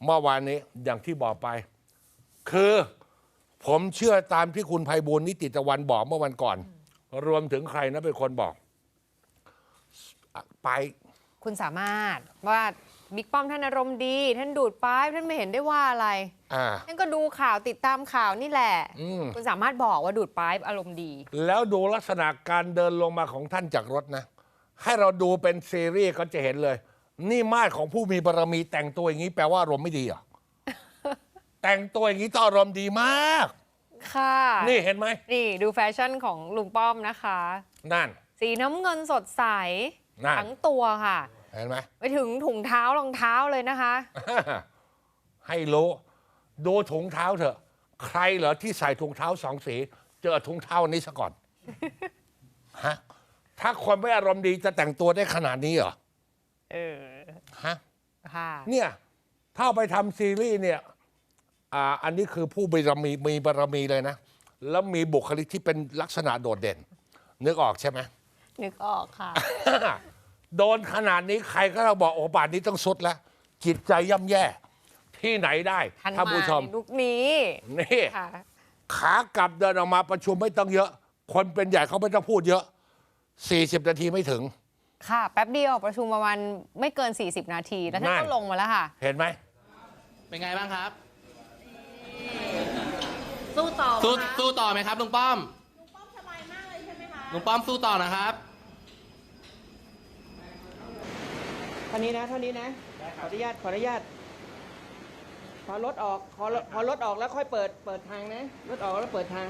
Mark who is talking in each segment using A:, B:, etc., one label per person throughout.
A: เมื่อวานนี้อย่างที่บอกไป คือผมเชื่อตามที่คุณไพบูลย์นิติตะวันบอกเมื่อวันก่อน รวมถึงใครนะเป็นคนบอกไป
B: คุณสามารถว่าบิ๊กป้อมท่านอารมณ์ดีท่านดูดป้ายท่านไม่เห็นได้ว่าอะไรท่านก็ดูข่าวติดตามข่าวนี่แหละคุณสามารถบอกว่าดูดป้ายอารมณ์ดี
A: แล้วดูลักษณะการเดินลงมาของท่านจากรถนะให้เราดูเป็นซีรีส์ก็จะเห็นเลย นี่มาดของผู้มีบารมีแต่งตัวอย่างนี้แปลว่าอารมณ์ไม่ดีเหรอ แต่งตัวอย่างนี้ต้องอารมณ์ดีมาก
B: ค่ะ
A: นี่เห็นไหม
B: นี่ดูแฟชั่นของลุงป้อมนะคะ
A: นั่น
B: สีน้ำเงินสดใสทั้งตัวค่ะ
A: เห็นไหม
B: ไปถึงถุงเท้ารองเท้าเลยนะคะ
A: ให้รู้ดูถุงเท้าเถอะใครเหรอที่ใส่ถุงเท้าสองสีเจอถุงเท้านี้ซะก่อน ฮะถ้าคนไม่อารมณ์ดีจะแต่งตัวได้ขนาดนี้เหรอฮะ
B: ค่ะ
A: เนี่ยถ้าไปทำซีรีส์เนี่ยอันนี้คือผู้มีบารมีเลยนะแล้วมีบุคลิกที่เป็นลักษณะโดดเด่นนึกออกใช่ไหม
B: นึกออกค่ะ
A: โดนขนาดนี้ใครก็ต้องบอกโอ้ป่านนี้ต้องสุดแล้วจิตใจย่ำแย่ที่ไหนได้ท่านผู้ชม
B: ลุกนี้
A: นี่ขากลับเดินออกมาประชุมไม่ต้องเยอะคนเป็นใหญ่เขาไม่ต้องพูดเยอะ40 นาทีไม่ถึง
B: ค่ะแป๊บเดียวประชุมประมาณไม่เกิน40 นาทีแล้วท่านก็ลงมาแล้วค่ะ
A: เห็นไหม
C: เป็นไงบ้างครับ
B: สู้ต่อ
C: สู้ต่อไหมครับลุงป้อม
D: สบายมากเลยใช่ไหมคะ
C: ลุงป้อมสู้ต่อนะครับ
E: เท่านี้นะขออนุญาตพอรถออกพอรถออกแล้วค่อยเปิดทางนะรถออกแล้วเปิดทาง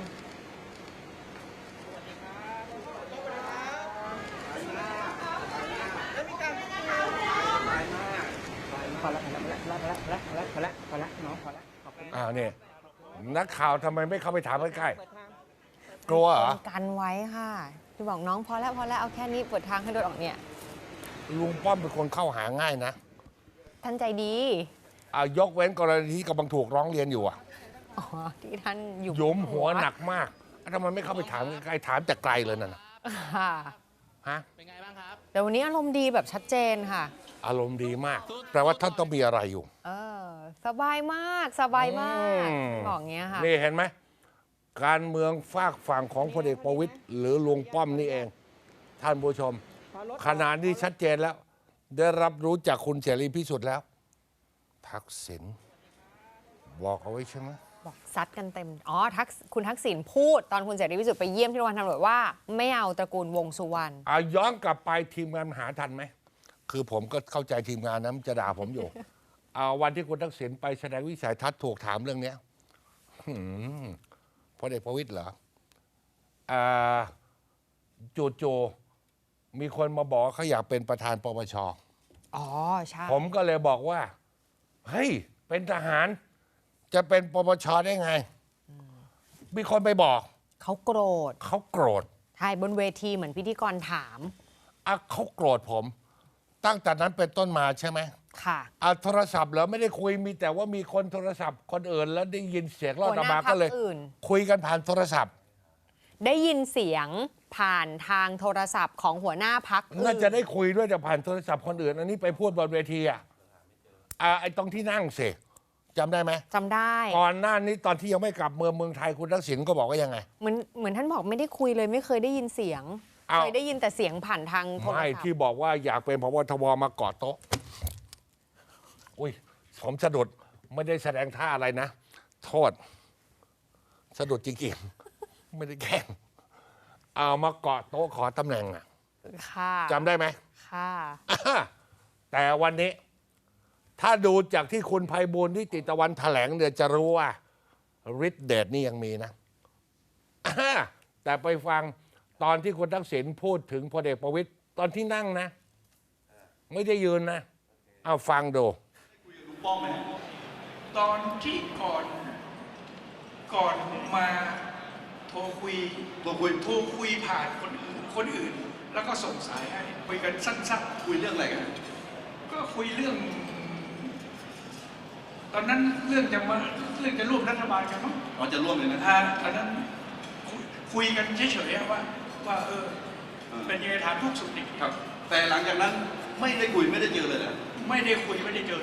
E: พอละน้องพอละขอบคุณ
A: เนี่ยนักข่าวทำไมไม่เข้าไปถามใกล้ๆกลัวเหรอ
B: กันไว้ค่ะที่บอกน้องพอแล้วเอาแค่นี้เปิดทางให้รถออกเนี่ย
A: ลุงป้อมเป็นคนเข้าหาง่ายนะ
B: ท่านใจดี
A: ยกเว้นกรณีที่กำลังถูกร้องเรียนอยู่
B: ที่ท่าน
A: หยุมหัวหนักมากทำไมไม่เข้าไปถามใกล้ถามแต่ไกลเลยนั่นฮะ
C: เป็นไงบ้างครับ
B: แต่วันนี้อารมณ์ดีแบบชัดเจนค่ะ
A: อารมณ์ดีมากแปลว่าท่านต้องมีอะไรอยู่
B: สบายมากบอกเงี้ยค่ะ
A: นี่เห็นไหมการเมืองฝากฝั่งของพลเอกประวิตรหรือลุงป้อมนี่เองท่านผู้ชมขณะนี้ชัดเจนแล้วได้รับรู้จากคุณเสรีพิสุทธิ์แล้วทักษิณบอกเอาไว้ใช่ไหม
B: บอกซัดกันเต็มคุณทักษิณพูดตอนคุณเสรีพิสุทธิ์ไปเยี่ยมที่โรงพยาบาลตำรวจว่าไม่เอาตระกูลวงสุวรรณ
A: ย้อนกลับไปทีมงานหาทันไหมคือผมก็เข้าใจทีมงานนะจะด่าผมอยู่ วันที่คุณทักษิณไปแสดงวิสัยทัศน์ถูกถามเรื่องนี้พลเอกประวิตรเหรอจู่ๆมีคนมาบอกเขาอยากเป็นประธานปปช
B: ใช่
A: ผมก็เลยบอกว่าเฮ้ยเป็นทหารจะเป็นปปชได้ไงมีคนไปบอก
B: เขาโกรธใช่บนเวทีเหมือนพิธีกรถาม
A: เขาโกรธผมตั้งแต่นั้นเป็นต้นมาใช่ไหม
B: ค่ะ
A: โทรศัพท์แล้วไม่ได้คุยมีแต่ว่ามีคนโทรศัพท์คนอื่นแล้วได้ยินเสียงรอดมาก็เลยคุยกันผ่านโทรศัพท์
B: ได้ยินเสียงผ่านทางโทรศัพท์ของหัวหน้าพรรค
A: น่าจะได้คุยด้วยแต่ผ่านโทรศัพท์คนอื่นอันนี้ไปพูดบนเวทีไอ้ตรงที่นั่งสิจำได้ไหม
B: จำได้
A: ก่อนหน้านี้ตอนที่ยังไม่กลับเมืองไทยคุณทักษิณก็บอกว่ายังไง
B: เหมือนท่านบอกไม่ได้คุยเลยไม่เคยได้ยินเสียงเคยได้ยินแต่เสียงผ่านทางโทรศัพท์
A: ไม่ที่บอกว่าอยากเป็นพบทบมาเกาะโต๊ะอุ้ยผมสะดุดไม่ได้แสดงท่าอะไรนะโทษสะดุดจริงๆไม่ได้แกล้งเอามาเกาะโต๊ะขอตำแหน่งจำได้ไหม
B: ค่ะ
A: แต่วันนี้ถ้าดูจากที่คุณไพบูลย์นิติตะวันแถลงเดี๋ยวจะรู้ว่าฤทธิ์เดชนี่ยังมีนะแต่ไปฟังตอนที่คุณทักษิณพูดถึงพลเอกประวิตรตอนที่นั่งนะไม่ได้ยืนนะเอาฟังดู
F: ตอนที่ก่อนมาโทรคุยผ่านคนอื่นแล้วก็ส่งสายให้คุยกันสั้นๆ
G: คุยเรื่องอะไรกัน
F: ก็คุยเรื่องตอนนั้นเรื่องจะร่วมรัฐบาลกันมั้ง
G: จะร่วมเลยนะ
F: ตอนนั้นคุยกันเฉยๆว่าเป็นยังไงถามทุกสุขดิบ
G: ครับแต่หลังจากนั้นไม่ได้คุยไม่ได้เจอเลยนะ
F: ไม่ได้คุยไม่ได้เจอเลย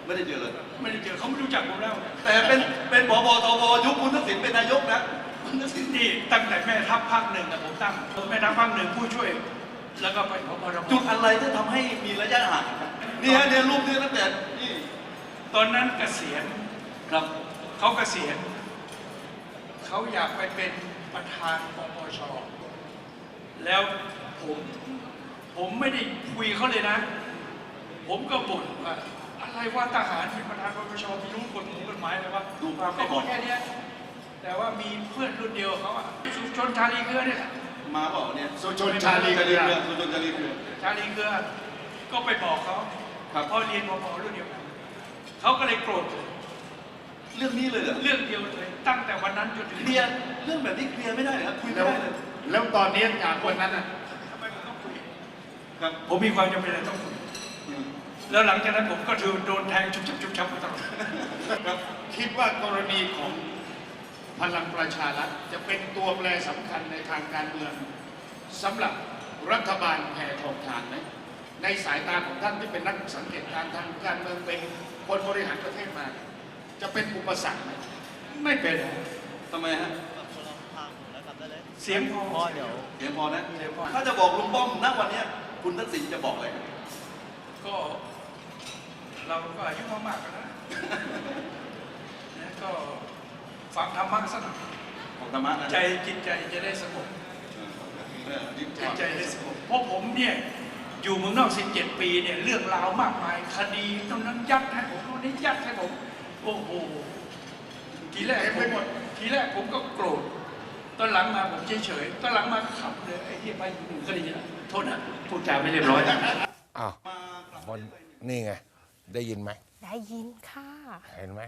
G: ไม่ได้เจอเลย
F: ไม่ได้เจอเขาไม่รู้จักผมแล้ว
G: แต่เป็นผบทบยุคคุณทักษิณเป็นนายกนะคุณทักษิณ
F: นี่ตั้งแต่แม่ทัพภาคหนึ่งนะผมตั้งแม่ทัพภาคหนึ่งผู้ช่วย แล้วก็ไปผบทบ
G: จุดอะไรที่ทำให้มีระยะห่างครับนี่ฮะเนี่ยรูปนี้ตั้งแต่นี่
F: ตอนนั้นเกษียณ
G: ครับ
F: เขาเกษียณเขาอยากไปเป็นประธานปปชแล้วผมไม่ได้คุยเขาเลยนะ ผมก็บ่นว่าอะไรว่าทหารเป็นประธานปปชมีรู้กฎหมายอะไรวะ
G: ดูภาพ
F: เขา
G: ก่
F: บ
G: อ
F: อน กแค่เนี้ยแต่ว่ามีเพื่อนรุ่นเดียวเขาอะสุชนชาลีเกลือเนี่ย
G: มาเปล่าเนี่ย
F: สุชนชาลีเกลือ
G: สุชนชาลีเกลือ
F: ชาลีเกลือก็ไปบอกเขา
G: ครับ
F: เพราะเรียนปปรุ่นเดียวกันเขาก็เลยโกรธผม
G: เรื่องนี้เลยเหรอ
F: เรื่องเดียวเลยตั้งแต่วันนั้นจนถึง
G: เคลียร์เรื่องแบบนี้เคลียร์ไม่ได้เหรอครับคุยไม่ได้เลย
H: แล้วตอนนี้จากวันนั้นอ่ะ
F: ทำไมผมต้องคุย
G: ครับ
F: ผมมีความจำเป็นอะไรต้องคุย
G: อืม
F: แล้วหลังจากนั้นผมก็โดนแทงชุบชับมาตลอด
H: ครับคิดว่ากรณีของพลังประชารัฐจะเป็นตัวแปรสำคัญในทางการเมืองสำหรับรัฐบาลแพทองทานไหมในสายตาของท่านที่เป็นนักสังเกตการณ์ทางการเมืองเป็นคนบริหารประเทศมา จะเป็นอุปสรรคไหม
F: ไม่เป็น
G: ทำไมฮะ
F: เสียงพอ
G: เดี๋ยวพอนะ
F: เสียงพอ
G: ถ้าจะบอกลุงป้อมณวันเนี้ยคุณทักษิณจะบอกอะไรครับ
F: ก็เราก็อายุมากๆกันแล้วนะก็ฟังธรรมะสักหน่อย
G: ของธรรมะนะ
F: ใจจิตใจจะได้สงบ
G: นี่
F: จิตใจได้สงบเพราะผมเนี่ยอยู่เมืองนอก 17 ปีเนี่ยเรื่องราวมากมาย คดีตรงนั้นยัดให้ผมตรงนี้ยัดให้ผมโอ้โหทีแรกผมก็โกรธตอนหลังมาผมเฉยๆตอนหลังมาขำเลยไอ้ที่ไปอยู่หนึ่งคดีนะโทษนะพูดจาไม่เรียบร้อย
A: อ้าวมันนี่ไง ได้ยินไหม
B: ได้ยินค่ะ
A: เห็นไหม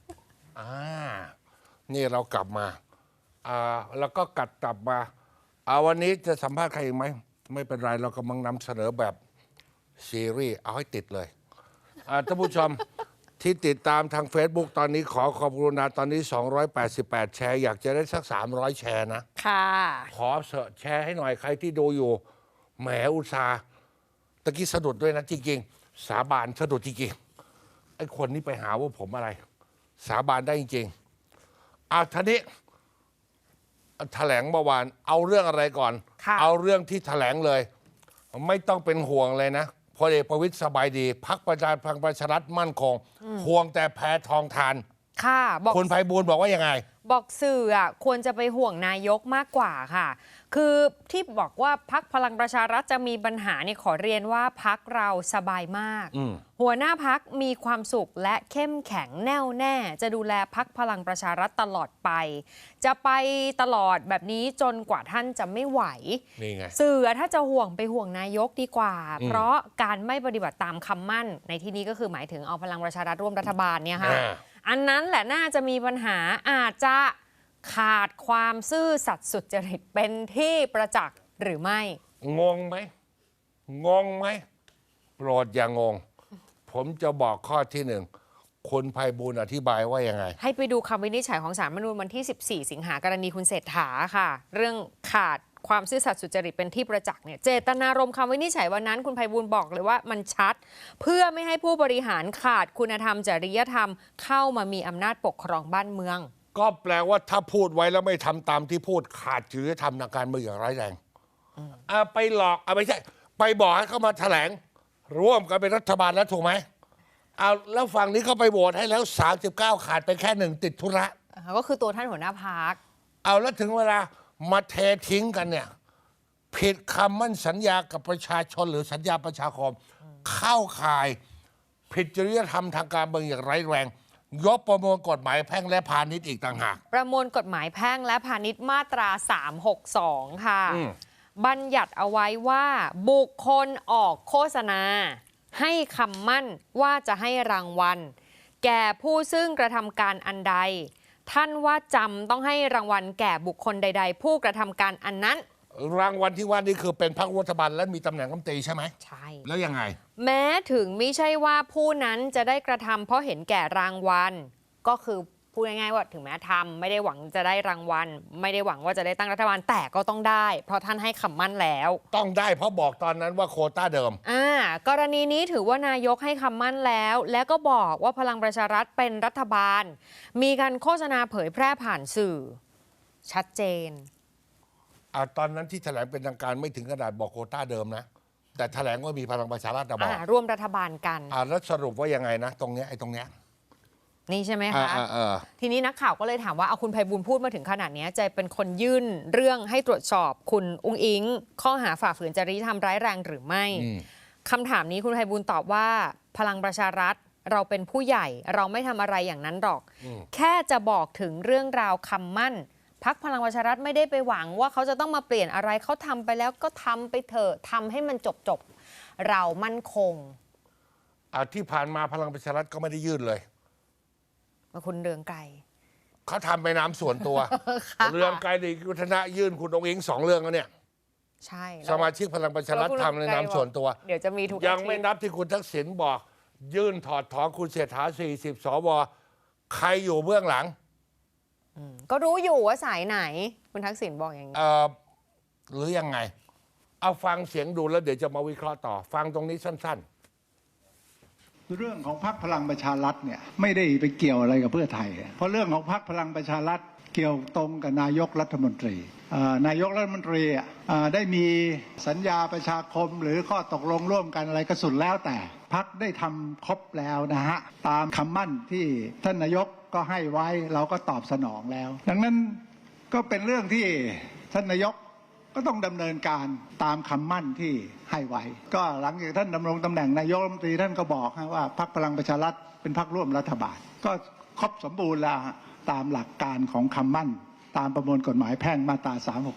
A: นี่เรากลับมาแล้วก็กลับมาวันนี้จะสัมภาษณ์ใครอีกไหม ไม่เป็นไร เรากำลังนำเสนอแบบซีรีส์เอาให้ติดเลยท่านผู้ชม ที่ติดตามทาง Facebook ตอนนี้ขอบกรุณาตอนนี้ 288 แชร์ อยากจะได้สัก 300 แชร์นะ
B: ค่ะ
A: ขอแชร์ให้หน่อยใครที่ดูอยู่ แหมอุตสาห์ตะกี้สะดุดด้วยนะจริงๆ สาบานสะดุดจริงๆ ไอ้คนนี้ไปหาว่าผมอะไร สาบานได้จริงๆทีนี้แถลงเมื่อวานเอาเรื่องอะไรก่อน
B: ค่ะ
A: เอาเรื่องที่แถลงเลย ไม่ต้องเป็นห่วงเลยนะพลเอกประวิตรสบายดีพรรคประชารัฐมั่นคง ห่วงแต่แพทองทาน
B: ค่ะบอก
A: คุณไพบูลย์บอกว่ายังไง
B: บอกสื่อควรจะไปห่วงนายกมากกว่าค่ะ คือที่บอกว่าพักพลังประชารัฐจะมีปัญหาเนี่ยขอเรียนว่าพักเราสบายมาก หัวหน้าพักมีความสุขและเข้มแข็งแน่วแน่ จะดูแลพักพลังประชารัฐตลอดไป จะไปตลอดแบบนี้จนกว่าท่านจะไม่ไหว
A: นี่ไง
B: สื่อถ้าจะห่วงไปห่วงนายกดีกว่า เพราะการไม่ปฏิบัติตามคำมั่นในที่นี้ก็คือหมายถึงเอาพลังประชารัฐร่วมรัฐบาลเนี่ยค่ะ อันนั้นแหละน่าจะมีปัญหาอาจจะขาดความซื่อสัตย์สุจริตเป็นที่ประจักษ์หรือไม่
A: งงไหม งงไหม โปรดอย่างงง ผมจะบอกข้อที่หนึ่งคุณไพบูลย์อธิบายว่ายังไง
B: ให้ไปดูคำวินิจฉัยของศาลรัฐธรรมนูญวันที่ 14 สิงหากรณีคุณเศรษฐาค่ะ เรื่องขาดความซื่อสัตย์สุจริตเป็นที่ประจักษ์เนี่ยเจตนารมณ์คำวินิจฉัยวันนั้นคุณไพบูลย์บอกเลยว่ามันชัด เพื่อไม่ให้ผู้บริหารขาดคุณธรรมจริยธรรมเข้ามามีอำนาจปกครองบ้านเมือง
A: ก็แปลว่าถ้าพูดไว้แล้วไม่ทำตามที่พูดขาดจริยธรรมทางการเมืองอย่างร้ายแรงไปหลอกไม่ใช่ ไปบอกให้เขามาแถลง ร่วมกันเป็นรัฐบาลแล้วถูกไหมแล้วฝั่งนี้เขาไปโหวตให้แล้ว 39 ขาดไปแค่หนึ่งติดธุระ
B: ก็คือตัวท่านหัวหน้าพรรค
A: แล้วถึงเวลามาเททิ้งกันเนี่ย ผิดคำมั่นสัญญากับประชาชนหรือสัญญาประชาคม เข้าข่ายผิดจริยธรรมทางการเมืองอย่างร้ายแรง ยกประมวลกฎหมายแพ่งและพาณิชย์อีกต่างหาก
B: ประมวลกฎหมายแพ่งและพาณิชย์มาตรา 362 ค่ะ บัญญัติเอาไว้ว่าบุคคลออกโฆษณา ให้คำมั่นว่าจะให้รางวัล แก่ผู้ซึ่งกระทำการอันใด ท่านว่าจำต้องให้รางวัลแก่บุคคลใด ๆ ผู้กระทำการอันนั้น
A: รางวัลที่ว่านี่คือเป็นพรรครัฐบาลและมีตำแหน่งรัฐมนตรีใช่ไหม
B: ใช่
A: แล้วยังไง
B: แม้ถึงไม่ใช่ว่าผู้นั้นจะได้กระทำเพราะเห็นแก่รางวัล ก็คือพูดง่ายๆว่าถึงแม้ทำไม่ได้หวังจะได้รางวัล ไม่ได้หวังว่าจะได้ตั้งรัฐบาลแต่ก็ต้องได้ เพราะท่านให้คำมั่นแล้ว
A: ต้องได้เพราะบอกตอนนั้นว่าโควต้าเดิม
B: กรณีนี้ถือว่านายกให้คำมั่นแล้ว และก็บอกว่าพลังประชารัฐเป็นรัฐบาล มีการโฆษณาเผยแพร่ผ่านสื่อ ชัดเจน
A: ตอนนั้นที่แถลงเป็นทางการไม่ถึงขนาดบอกโควต้าเดิมนะ แต่แถลงว่ามีพลังประชารัฐบอก
B: ร่วมรัฐบาลกัน
A: แล้วสรุปว่ายังไงนะ ตรงเนี้ยไอ้ตรงเนี้ย
B: นี่ใช่ไหมคะ
A: อ่า
B: ทีนี้นักข่าวก็เลยถามว่าเอาคุณไพบูลย์พูดมาถึงขนาดนี้จะเป็นคนยื่นเรื่องให้ตรวจสอบคุณอุ้งอิง ข้อหาฝ่าฝืนจริยธรรมร้ายแรงหรือไม่คำถามนี้คุณไพบูลย์ตอบว่าพลังประชารัฐเราเป็นผู้ใหญ่เราไม่ทำอะไรอย่างนั้นหรอก แค่จะบอกถึงเรื่องราวคำมั่นพรรคพลังประชารัฐไม่ได้ไปหวังว่าเขาจะต้องมาเปลี่ยนอะไรเขาทำไปแล้วก็ทำไปเถอะทำให้มันจบเรามั่นคง
A: ที่ผ่านมาพลังประชารัฐก็ไม่ได้ยื่นเลย
B: คุณเรืองไกร
A: เขาทำไปน้ำส่วนตัว เรื่องไกลดีกุฒนะยื่นคุณองค์อิง2 เรื่องแล้วเนี่ย
B: ใช่
A: สมาชิกพลังประชารัฐทำในนามส่วนตัว
B: เดี๋ยวจะมีทุก
A: ยังไม่นับที่คุณทักษิณบอก ยื่นถอดถอนคุณเศรษฐา40 สวใครอยู่เบื้องหลัง
B: ก็รู้อยู่ว่าสายไหน คุณทักษิณบอกอย่างนี้
A: หรือยังไง เอาฟังเสียงดูแล้วเดี๋ยวจะมาวิเคราะห์ต่อ ฟังตรงนี้สั้น
I: เรื่องของพรรคพลังประชารัฐเนี่ยไม่ได้ไปเกี่ยวอะไรกับเพื่อไทย เพราะเรื่องของพรรคพลังประชารัฐเกี่ยวตรงกับนายกรัฐมนตรีนายกรัฐมนตรีได้มีสัญญาประชาคมหรือข้อตกลงร่วมกันอะไรก็สุดแล้วแต่พรรคได้ทำครบแล้วนะฮะตามคำมั่นที่ท่านนายกก็ให้ไว้เราก็ตอบสนองแล้ว ดังนั้นก็เป็นเรื่องที่ท่านนายกก็ต้องดำเนินการตามคำมั่นที่ให้ไว้ ก็หลังจากท่านดำรงตำแหน่งนายกรัฐมนตรีท่านก็บอกว่าพรรคพลังประชารัฐเป็นพรรคร่วมรัฐบาลก็ครบสมบูรณ์แล้วตามหลักการของคำมั่นตามประมวลกฎหมายแพ่งมาตรา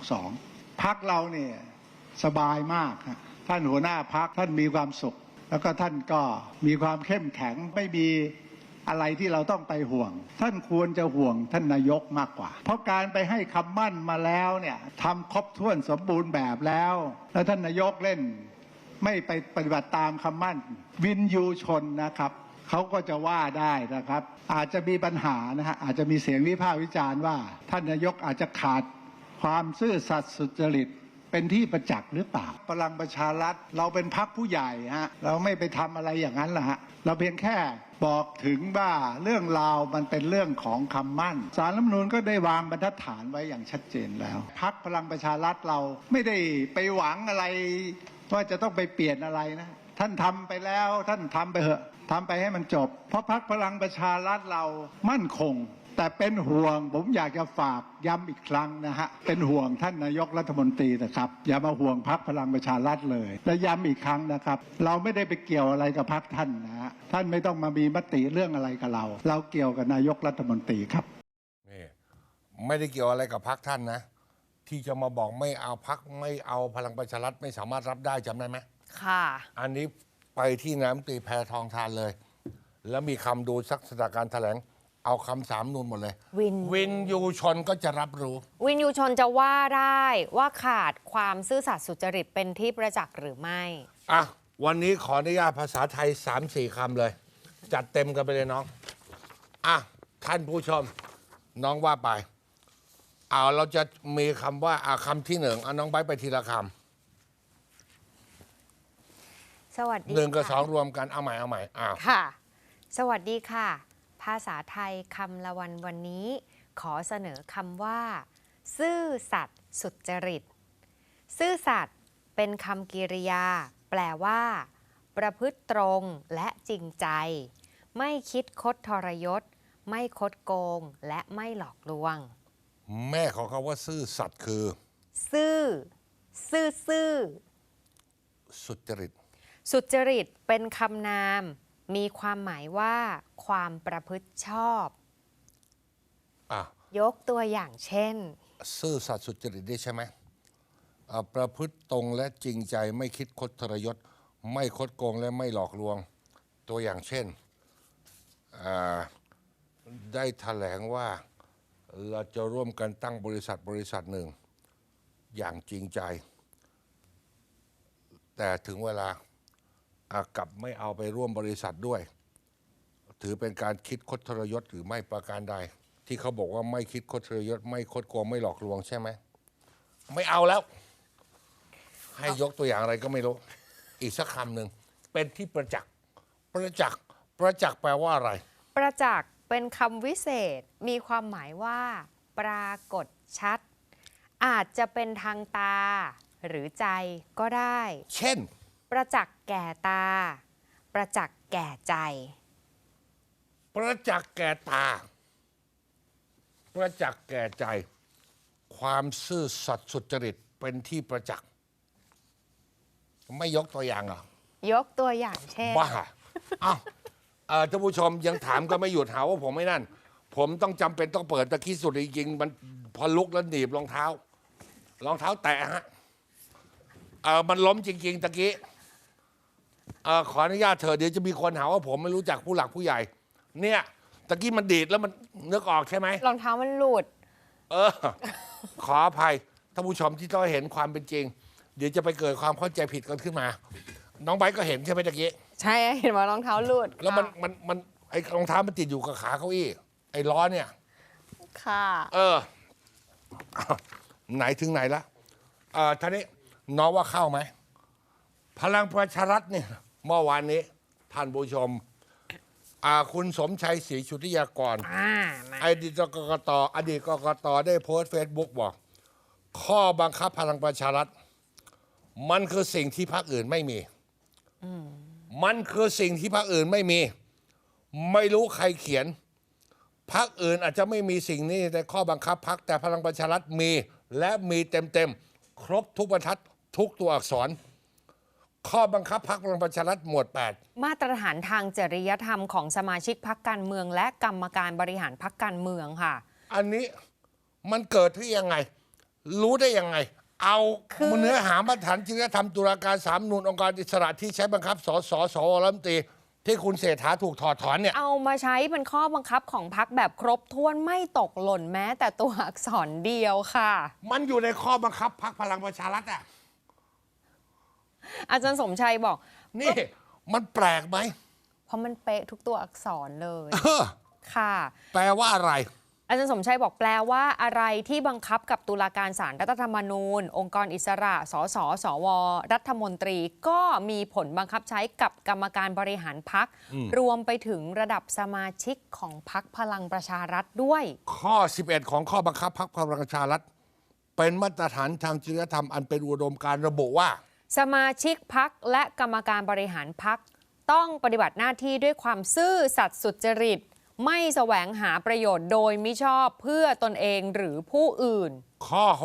I: 362พรรคเราเนี่ยสบายมากท่านหัวหน้าพรรคท่านมีความสุขแล้วก็ท่านก็มีความเข้มแข็งไม่มีอะไรที่เราต้องไปห่วงท่านควรจะห่วงท่านนายกมากกว่าเพราะการไปให้คำมั่นมาแล้วเนี่ยทำครบถ้วนสมบูรณ์แบบแล้วท่านนายกเล่นไม่ไปปฏิบัติตามคำมั่นวินยูชนนะครับเขาก็จะว่าได้นะครับอาจจะมีปัญหานะฮะอาจจะมีเสียงวิพากษ์วิจารณ์ว่าท่านนายกอาจจะขาดความซื่อสัตย์สุจริตเป็นที่ประจักษ์หรือเปล่าพลังประชารัฐเราเป็นพรรคผู้ใหญ่ฮะเราไม่ไปทำอะไรอย่างนั้นละฮะเราเพียงแค่บอกถึงว่าเรื่องราวมันเป็นเรื่องของคำมั่นศาลรัฐธรรมนูญก็ได้วางบรรทัดฐานไว้อย่างชัดเจนแล้วพรรคพลังประชารัฐเราไม่ได้ไปหวังอะไรว่าจะต้องไปเปลี่ยนอะไรนะท่านทำไปแล้วท่านทำไปเถอะทำไปให้มันจบเพราะพรรคพลังประชารัฐเรามั่นคงแต่เป็นห่วงผมอยากจะฝากย้ำอีกครั้งนะฮะเป็นห่วงท่านนายกรัฐมนตรีนะครับอย่ามาห่วงพรรคพลังประชารัฐเลยและย้ำอีกครั้งนะครับเราไม่ได้ไปเกี่ยวอะไรกับพรรคท่านนะฮะท่านไม่ต้องมามีมติเรื่องอะไรกับเราเราเกี่ยวกับนายกรัฐมนตรีครับ
A: นี่ไม่ได้เกี่ยวอะไรกับพรรคท่านนะ ที่จะมาบอกไม่เอาพรรคไม่เอาพลังประชารัฐไม่สามารถรับได้จำได้ไหม
B: ค่ะ
A: อันนี้ไปที่น้ำตีแพทองทานเลย แล้วมีคำดูสักสถานการณ์แถลงเอาคำ3 นูนหมดเลยวินยูชนก็จะรับรู้
B: วินยูชนจะว่าได้ว่าขาดความซื่อสัตย์สุจริตเป็นที่ประจักษ์หรือไม่
A: วันนี้ขออนุญาตภาษาไทย 3-4 คำเลย จัดเต็มกันไปเลยน้องท่านผู้ชมน้องว่าไปเราจะมีคำว่าคำที่1น้องไบร์ทไปทีละค
B: ำสวัสดี
A: 1 กับ 2รวมกันเอาใหม่
B: ค่ะสวัสดีค่ะภาษาไทยคำละวันนี้ขอเสนอคำว่าซื่อสัตย์สุจริตซื่อสัตย์เป็นคำกริยาแปลว่าประพฤติตรงและจริงใจไม่คิดคดทรยศไม่คดโกงและไม่หลอกลวง
A: แม่ของเขาว่าซื่อสัตย์คือ
B: ซื่อ
A: สุจริต
B: สุจริตเป็นคำนามมีความหมายว่าความประพฤติชอบยกตัวอย่างเช่น
A: ซื่อสัตย์สุจริตได้ใช่ไหมประพฤติตรงและจริงใจไม่คิดคดทรยศไม่คดโกงและไม่หลอกลวงตัวอย่างเช่นได้แถลงว่าเราจะร่วมกันตั้งบริษัทหนึ่งอย่างจริงใจแต่ถึงเวลากลับไม่เอาไปร่วมบริษัทด้วยถือเป็นการคิดคดทรยศหรือไม่ประการใดที่เขาบอกว่าไม่คิดคดทรยศไม่คดโกงไม่หลอกลวงใช่ไหมไม่เอาแล้ว ให้ยกตัวอย่างอะไรก็ไม่รู้ อีกสักคำหนึ่งเป็นที่ประจักษ์ประจักษ์ประจักษ์แปลว่าอะไร
B: ประจักษ์เป็นคำวิเศษมีความหมายว่า ปรากฏชัด อาจจะเป็นทางตาหรือใจก็ได้
A: เช่น
B: ประจักษ์แก่ตา ประจักษ์แก่ใจ
A: ประจักษ์แก่ตา ประจักษ์แก่ใจ ความซื่อสัตย์สุจริตเป็นที่ประจักษ์ไม่ยกตัวอย่างเหรอ
B: ยกตัวอย่างเช่น
A: บ้าอ้าวท่านผู้ชมยังถามก็ไม่หยุดหาว่าผมไม่นั่น ผมต้องจำเป็นต้องเปิดตะกี้สุดจริงๆมันพอลุกแล้วหนีบรองเท้าแตะฮะมันล้มจริงๆตะกี้ขออนุญาตเถอะเดี๋ยวจะมีคนหาว่าผมไม่รู้จักผู้หลักผู้ใหญ่ เนี่ยตะกี้มันดีดแล้วมันนึกออกใช่ไหม
B: รองเท้ามันหลุด
A: ขออภัยท่านผู้ชมที่ต้องเห็นความเป็นจริง เดี๋ยวจะไปเกิดความเข้าใจผิดกันขึ้นมา น้องไบร์ทก็เห็นใช่ไหมตะกี้
B: ใช่เห็นว่ารองเท้าหลุด
A: แล้วมันไอ้รองเท้ามันติดอยู่กับขาเก้าอี้ไอ้ล้อเนี่ย
B: ค่ะ
A: ไหนถึงไหนละท่านี้น้องว่าเข้าไหมพลังประชารัฐเนี่ยเมื่อวานนี้ท่านผู้ชมคุณสมชัยศรีชุติยากร
B: มา
A: อดีตกกตได้โพสต์เฟซบุ๊กบอกข้อบังคับพลังประชารัฐมันคือสิ่งที่พรรคอื่นไม่มีมันคือสิ่งที่พรรคอื่นไม่มี ไม่รู้ใครเขียนพรรคอื่นอาจจะไม่มีสิ่งนี้ในข้อบังคับพรรคแต่พลังประชารัฐมีและมีเต็มครบทุกบรรทัดทุกตัวอักษร ข้อบังคับพรรคพลังประชารัฐหมวด 8
B: มาตรฐานทางจริยธรรมของสมาชิกพรรคการเมืองและกรรมการบริหารพรรคการเมืองค่ะ
A: อันนี้มันเกิดที่ยังไง รู้ได้ยังไง เอาเนื้อหามาตรฐานจริยธรรมตุลาการสาลรฐธรรมนูญองค์การอิสระที่ใช้บังคับสสรัฐมนตรีที่คุณเศรษฐาถูกถอดถอนเนี่ย
B: เอามาใช้เป็นข้อบังคับของพรรคแบบครบถ้วนไม่ตกหล่นแม้แต่ตัวอักษรเดียวค่ะ
A: มันอยู่ในข้อบังคับพรรคพลังประชารัฐอ่ะ
B: อาจารย์สมชัยบอก
A: นี่มันแปลกไหม
B: เพราะมันเป๊ะทุกตัวอักษรเลย ค่ะ
A: แปลว่าอะไร
B: อาจารย์สมชัยบอกแปลว่าอะไรที่บังคับกับตุลาการศาลรัฐธรรมนูญ องค์กรอิสระ สส สว รัฐมนตรี ก็มีผลบังคับใช้กับกรรมการบริหารพรรครวมไปถึงระดับสมาชิกของพรรคพลังประชารัฐด้วย
A: ข้อ 11 ของข้อบังคับพรรคพลังประชารัฐเป็นมาตรฐานทางจริยธรรมอันเป็นอุดมการณ์ระบุว่า
B: สมาชิกพรรคและกรรมการบริหารพรรคต้องปฏิบัติหน้าที่ด้วยความซื่อสัตย์สุจริตไม่แสวงหาประโยชน์โดยมิชอบเพื่อตนเองหรือผู้อื่น
A: ข้อ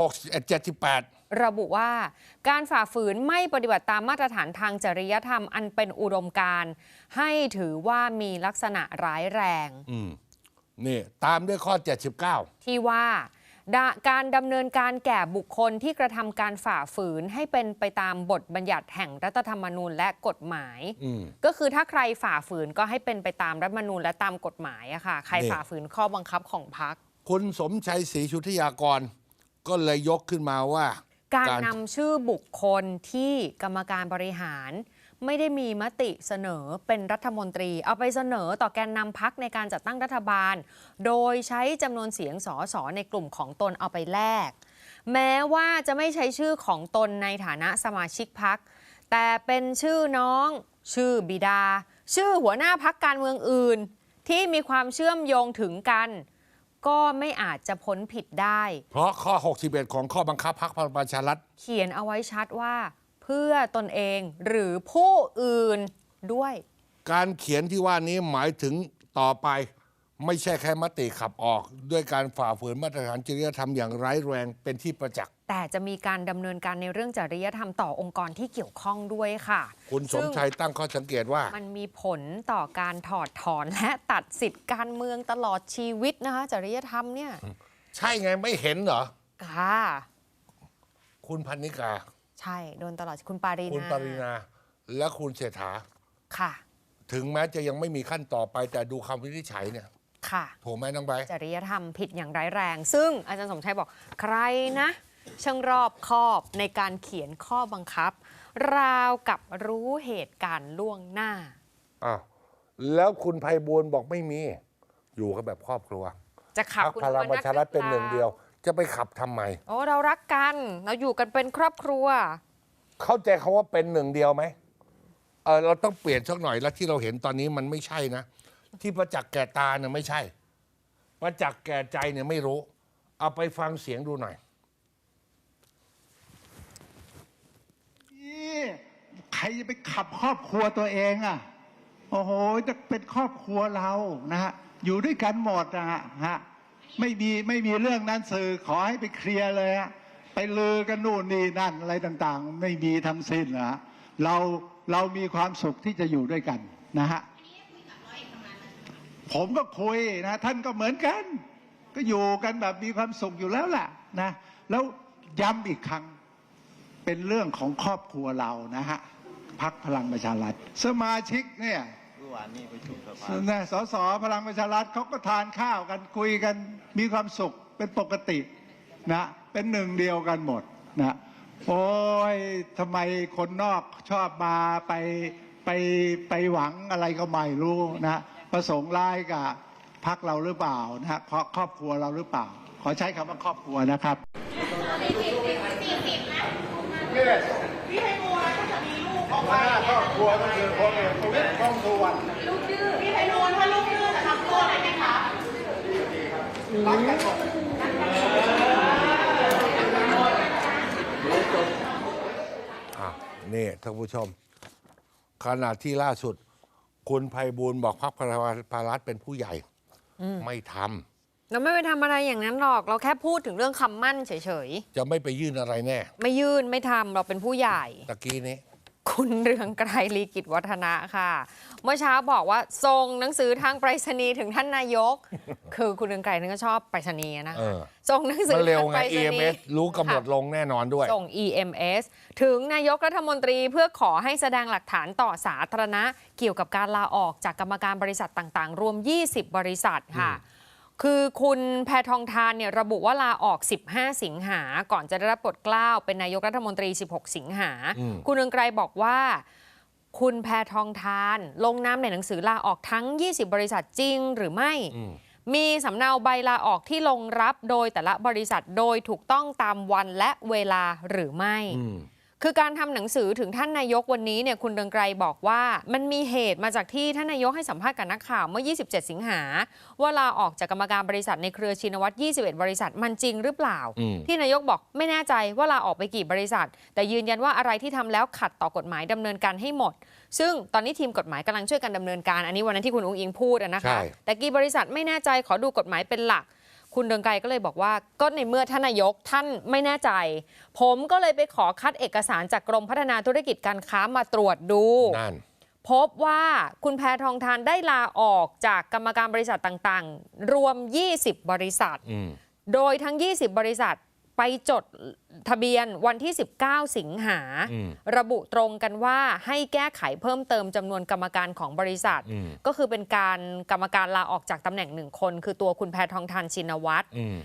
A: 78
B: ระบุว่าการฝ่าฝืนไม่ปฏิบัติตามมาตรฐานทางจริยธรรมอันเป็นอุดมการณ์ให้ถือว่ามีลักษณะร้ายแรง
A: นี่ตามด้วยข้อ 79
B: ที่ว่าการดำเนินการแก่บุคคลที่กระทำการฝ่าฝืนให้เป็นไปตามบทบัญญัติแห่งรัฐธรรมนูญและกฎหมายก็คือถ้าใครฝ่าฝืนก็ให้เป็นไปตามรัฐธรรมนูญและตามกฎหมายอะค่ะใครฝ่าฝืนข้อบังคับของพรรค
A: คุณสมชัยศรีชุติยากรก็เลยยกขึ้นมาว่า
B: การนำชื่อบุคคลที่กรรมการบริหารไม่ได้มีมติเสนอเป็นรัฐมนตรีเอาไปเสนอต่อแกนนำพรรคในการจัดตั้งรัฐบาลโดยใช้จำนวนเสียงสสในกลุ่มของตนเอาไปแลกแม้ว่าจะไม่ใช้ชื่อของตนในฐานะสมาชิกพรรคแต่เป็นชื่อน้องชื่อบิดาชื่อหัวหน้าพรรคการเมืองอื่นที่มีความเชื่อมโยงถึงกันก็ไม่อาจจะพ้นผิดได้
A: เพราะข้อ 61 ของข้อบังคับพรรคพลังประชารัฐ
B: เขียนเอาไว้ชัดว่าเพื่อตนเองหรือผู้อื่นด้วย
A: การเขียนที่ว่านี้หมายถึงต่อไปไม่ใช่แค่มติขับออกด้วยการฝ่าฝืนมาตรฐานจริยธรรมอย่างร้ายแรงเป็นที่ประจักษ์
B: แต่จะมีการดำเนินการในเรื่องจริยธรรมต่อองค์กรที่เกี่ยวข้องด้วยค่ะ
A: คุณสมชัยตั้งข้อสังเกตว่า
B: มันมีผลต่อการถอดถอนและตัดสิทธิ์การเมืองตลอดชีวิตนะคะจริยธรรมเนี่ย
A: ใช่ไงไม่เห็นเหรอ
B: ค่ะ
A: คุณพนิกา
B: ใช่โดนตลอดคุณปารีนา
A: และคุณเศรษฐา
B: ค่ะ
A: ถึงแม้จะยังไม่มีขั้นต่อไปแต่ดูคำวินิจฉัยเนี่ย
B: ค่ะ
A: ถูกไหมน้องใบ
B: จริยธรรมผิดอย่างร้ายแรงซึ่งอาจารย์สมชัยบอกใครนะช่างรอบคอบในการเขียนข้อบังคับราวกับรู้เหตุการณ์ล่วงหน้า
A: อ้าวแล้วคุณไพบูลย์บอกไม่มีอยู่กันแบบครอบครัว
B: จะขับ
A: พรรค
B: คุณ
A: พลังประชารัฐเป็นหนึ่งเดียว จะไปขับทำไม
B: โอ้เรารักกันเราอยู่กันเป็นครอบครัว
A: เข้าใจคำว่าเป็นหนึ่งเดียวไหมเราต้องเปลี่ยนสักหน่อยแล้วที่เราเห็นตอนนี้มันไม่ใช่นะ ที่ประจักษ์แก่ตาเนี่ยไม่ใช่ ประจักษ์แก่ใจเนี่ยไม่รู้ เอาไปฟังเสียงดูหน่อย
I: นี่ใครจะไปขับครอบครัวตัวเองอ่ะ โอ้โหจะเป็นครอบครัวเรานะฮะอยู่ด้วยกันหมดนะฮะไม่มีเรื่องนั้นสื่อขอให้ไปเคลียร์เลยฮะไปลือกันนู่นนี่นั่นอะไรต่างๆ ไม่มีทั้งสิ้นนะฮะเรามีความสุขที่จะอยู่ด้วยกันนะฮะผมก็คุยนะท่านก็เหมือนกัน ก็อยู่กันแบบมีความสุขอยู่แล้วแหละนะแล้วย้ำอีกครั้งเป็นเรื่องของครอบครัวเรานะฮะพรรคพลังประชารัฐสมาชิกเนี่ยสสพลังประชารัฐเขาก็ทานข้าวกันคุยกันมีความสุขเป็นปกตินะเป็นหนึ่งเดียวกันหมดนะโอ้ยทำไมคนนอกชอบมาไปหวังอะไรก็ไม่รู้นะประสงค์ร้ายกับพรรคเราหรือเปล่านะฮะครอบครัวเราหรือเปล่าขอใช้คำว่าครอบครัวนะครับ
D: พี่ไพบูลย์ถ้าจะมีลูกออกมา
I: ครอบครัวก็คือพลเอกประวิตรวงษ์สุวรรณ
D: ลูกดื้อพี่ไพบูลย์ถ้าลูกดื้อจะทำตัวอะไรไหมคะ
I: รักกันหมด
A: นี่ท่านผู้ชม ขณะที่ล่าสุด คุณไพบูลย์บอกพรรคพลังประชารัฐเป็นผู้ใหญ่ไม่ทำ
B: เราไม่ไปทำอะไรอย่างนั้นหรอก เราแค่พูดถึงเรื่องคำมั่นเฉย
A: จะไม่ไปยื่นอะไรแน่
B: ๆ ไม่ยื่นไม่ทำเราเป็นผู้ใหญ่
A: ตะกี้นี้
B: คุณเรืองไกรลีกิจวัฒนะค่ะ เมื่อเช้าบอกว่าส่งหนังสือทางไปรษณีย์ถึงท่านนายก คือคุณเรืองไกรนี่ก็ชอบไปรษณีย์นะ
A: เอ
B: คะ
A: อ
B: ส่งหนังสื
A: มั
B: อน
A: เร็ว
B: ทาง
A: ไง
B: ไปรษณี
A: EMS
B: ย์
A: รู้กำหนดลงแน่นอนด้วย
B: ส่ง EMS ถึงนายกรัฐมนตรีเพื่อขอให้แสดงหลักฐานต่อสาธารณะเกี่ยวกับการลาออกจากกรรมการบริษัทต่างๆ รวม 20 บริษัทค่ะ คือคุณแพทองธารเนี่ยระบุว่าลาออก 15 สิงหาก่อนจะได้รับโปรดเกล้าเป็นนายกรัฐมนตรี 16 สิงหา คุณเรืองไกรบอกว่า คุณแพทองธารลงนามในหนังสือลาออกทั้ง 20 บริษัทจริงหรือไม่ มีสำเนาใบลาออกที่ลงรับโดยแต่ละบริษัทโดยถูกต้องตามวันและเวลาหรือไม่ คือการทำหนังสือถึงท่านนายกวันนี้เนี่ยคุณเรืองไกรบอกว่ามันมีเหตุมาจากที่ท่านนายกให้สัมภาษณ์กับนักข่าวเมื่อ 27 สิงหาว่าลาออกจากกรรมการบริษัทในเครือชินวัตร 21 บริษัทมันจริงหรือเปล่า ที่นายกบอกไม่แน่ใจว่าลาออกไปกี่บริษัท แต่ยืนยันว่าอะไรที่ทำแล้วขัดต่อกฎหมายดำเนินการให้หมด ซึ่งตอนนี้ทีมกฎหมายกำลังช่วยกันดำเนินการอันนี้วันนั้นที่คุณอุ๊งอิงพูดนะคะ
A: ใช่
B: แต่กี่บริษัทไม่แน่ใจขอดูกฎหมายเป็นหลัก คุณเรืองไกรก็เลยบอกว่าก็ในเมื่อท่านนายกท่านไม่แน่ใจ ผมก็เลยไปขอคัดเอกสารจากกรมพัฒนาธุรกิจการค้ามาตรวจดู
A: นั่น
B: พบว่าคุณแพทองธารได้ลาออกจากกรรมการบริษัทต่างๆ รวม 20 บริษัท โดยทั้ง 20 บริษัทไปจดทะเบียนวันที่ 19 สิงหา ระบุตรงกันว่าให้แก้ไขเพิ่มเติมจำนวนกรรมการของบริษัท ก็คือเป็นการกรรมการลาออกจากตำแหน่ง1 คน คือตัวคุณแพทองธารชินวัตร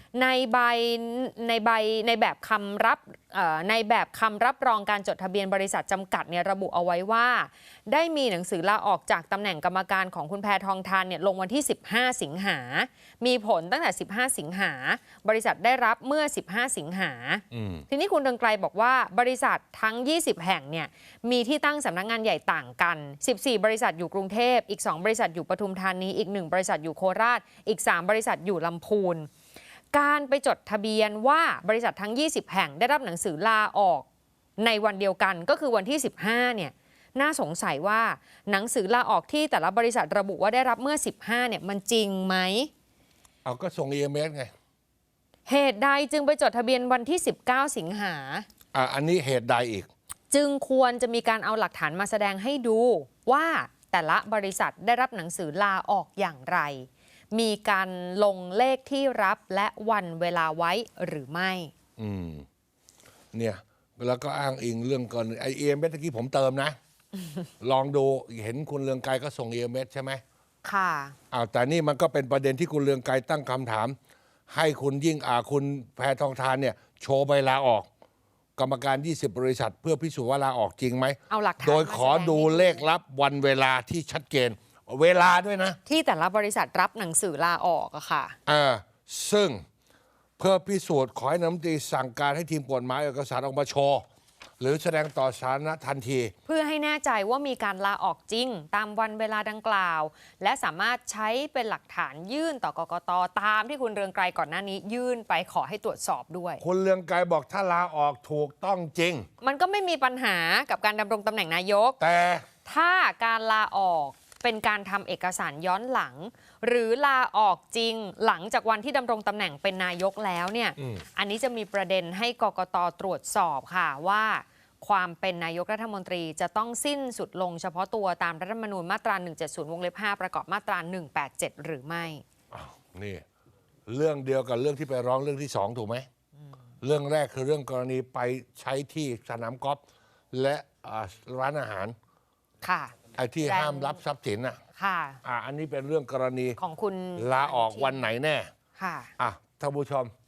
B: ในแบบคำรับรองการจดทะเบียนบริษัทจำกัดเนี่ยระบุเอาไว้ว่าได้มีหนังสือลาออกจากตำแหน่งกรรมการของคุณแพทองธารเนี่ยลงวันที่ 15 สิงหา มีผลตั้งแต่ 15 สิงหาบริษัทได้รับเมื่อ 15 สิงหาทีนี้คุณเรืองไกรบอกว่าบริษัททั้ง 20 แห่งเนี่ยมีที่ตั้งสำนักงานใหญ่ต่างกัน 14 บริษัทอยู่กรุงเทพอีก 2 บริษัทอยู่ปทุมธานีอีก 1 บริษัทอยู่โคราชอีก 3 บริษัทอยู่ลำพูนการไปจดทะเบียนว่าบริษัททั้ง 20 แห่งได้รับหนังสือลาออกในวันเดียวกันก็คือวันที่ 15 เนี่ยน่าสงสัยว่าหนังสือลาออกที่แต่ละบริษัทระบุว่าได้รับเมื่อ 15 เนี่ยมันจริงไหม
A: เอาก็ส่ง EMS ไง
B: เหตุใดจึงไปจดทะเบียนวันที่ 19 สิงหา
A: อันนี้เหตุใดอีก
B: จึงควรจะมีการเอาหลักฐานมาแสดงให้ดูว่าแต่ละบริษัทได้รับหนังสือลาออกอย่างไร มีการลงเลขที่รับและวันเวลาไว้หรือไม่
A: เนี่ยแล้วก็อ้างอิงเรื่องก่อนไอEMS เมื่อกี้ผมเติมนะ ลองดูเห็นคุณเรืองไกรก็ส่ง EMS ใช่ไหม
B: ค่ะ
A: แต่นี่มันก็เป็นประเด็นที่คุณเรืองไกรตั้งคำถาม ให้คุณคุณแพทองธารเนี่ยโชว์ใบลาออก กรรมการ 20 บริษัท เพื่อพิสูจน์ว่าลาออกจริงไหม
B: เอาหลักฐาน
A: โดยขอดูเลขลับวันเวลาที่ชัดเจนเวลาด้วยนะ
B: ที่แต่ละบริษัทรับหนังสือลาออกอะค่ะ
A: ซึ่งเพื่อพิสูจน์ขอให้นายกรัฐมนตรีสั่งการให้ทีมกฎหมายเอกสารออกมาโชว์หรือแสดงต่อสาธารณะทันที
B: เพื่อให้แน่ใจว่ามีการลาออกจริง ตามวันเวลาดังกล่าว และสามารถใช้เป็นหลักฐานยื่นต่อกกต.ตามที่คุณเรืองไกรก่อนหน้านี้ยื่นไปขอให้ตรวจสอบด้วย
A: คุณเรืองไกรบอกถ้าลาออกถูกต้องจริง
B: มันก็ไม่มีปัญหากับการดำรงตำแหน่งนายก
A: แต่
B: ถ้าการลาออกเป็นการทำเอกสารย้อนหลัง หรือลาออกจริงหลังจากวันที่ดำรงตำแหน่งเป็นนายกแล้วเนี่ย อันนี้จะมีประเด็นให้กกต.ตรวจสอบค่ะว่าความเป็นนายกรัฐมนตรีจะต้องสิ้นสุดลงเฉพาะตัวตามรัฐธรรมนูญมาตรา 170 วงเล็บ 5 ประกอบมาตรา 187 หรือไม่
A: นี่เรื่องเดียวกับเรื่องที่ไปร้องเรื่องที่สองถูกไหมเรื่องแรกคือเรื่องกรณีไปใช้ที่สนามกอล์ฟและร้านอาหาร
B: ค่ะ
A: ไอ้ที่ห้ามรับทรัพย์สินอ่ะ
B: ค่ะ
A: อันนี้เป็นเรื่องกรณี
B: ของคุณ
A: ลาออกวันไหนแน่
B: ค่ะ
A: ท่านผู้ชม